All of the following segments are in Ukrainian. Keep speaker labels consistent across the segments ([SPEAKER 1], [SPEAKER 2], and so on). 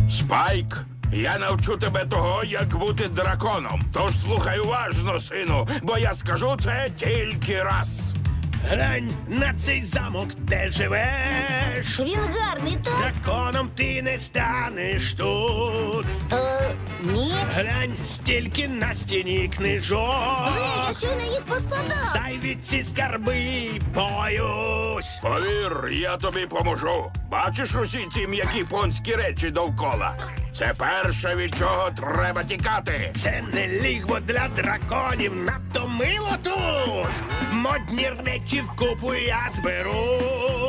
[SPEAKER 1] Спайк, я навчу тебе того, як бути драконом. Тож слухай уважно, сину, бо я скажу це тільки раз.
[SPEAKER 2] Глянь на цей замок, де живеш.
[SPEAKER 3] Він гарний, так?
[SPEAKER 2] Драконом ти не станеш тут.
[SPEAKER 3] Ні.
[SPEAKER 2] Глянь, стільки на стіні книжок.
[SPEAKER 3] Я щойно їх поскладав.
[SPEAKER 2] Зайві ці скарби боюсь.
[SPEAKER 1] Повір, я тобі поможу. Бачиш усі ці м'які понські речі довкола? Це перше, від чого треба тікати.
[SPEAKER 2] Це не лігво для драконів, надто мило тут. Модні речі вкупу я зберу.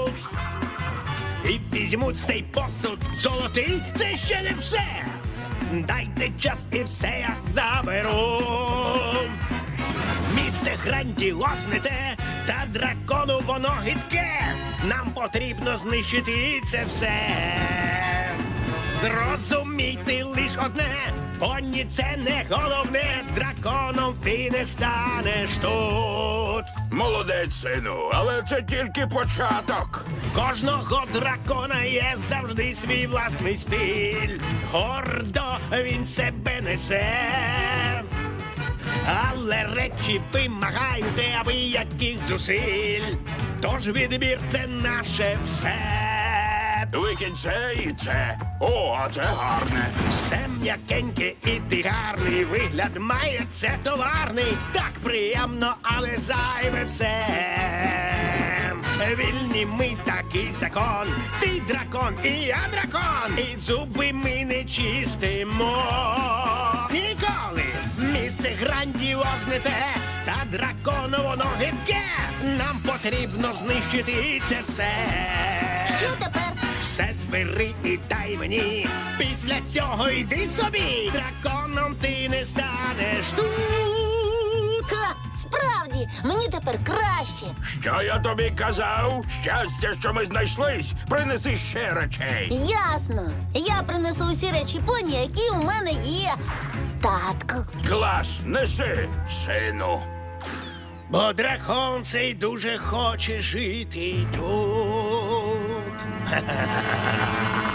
[SPEAKER 2] І візьму цей посуд золотий, це ще не все. Дайте час і все я заберу. Місце грандіозне, та дракону воно гидке. Нам потрібно знищити це все. Зрозумійте лиш одне, поні це не головне, драконом ти не станеш тут.
[SPEAKER 1] Молодець, сину, але це тільки початок.
[SPEAKER 2] Кожного дракона є завжди свій власний стиль. Гордо він себе несе. Але речі вимагають абияких зусиль. Тож відбір це наше все.
[SPEAKER 1] Викинь це і це. О, а це гарне.
[SPEAKER 2] Все м'якеньке і ти гарний. Вигляд має це товарний. Так приємно, але зайве все. Вільні ми такий закон. Ти дракон, і я дракон. І зуби ми не чистимо. Ніколи місце грандіозне це. Та дракону воно гидке. Нам потрібно знищити це все.
[SPEAKER 3] Що тепер?
[SPEAKER 2] Все збери і дай мені. Після цього йди собі. Драконом ти не станеш тут.
[SPEAKER 3] Ха, справді, мені тепер краще.
[SPEAKER 1] Що я тобі казав? Щастя, що ми знайшлись. Принеси ще речей.
[SPEAKER 3] Ясно. Я принесу усі речі поні, які у мене є. Татку.
[SPEAKER 1] Клас, неси, сину.
[SPEAKER 2] Бо дракон цей дуже хоче жити тут. Ха-ха-ха.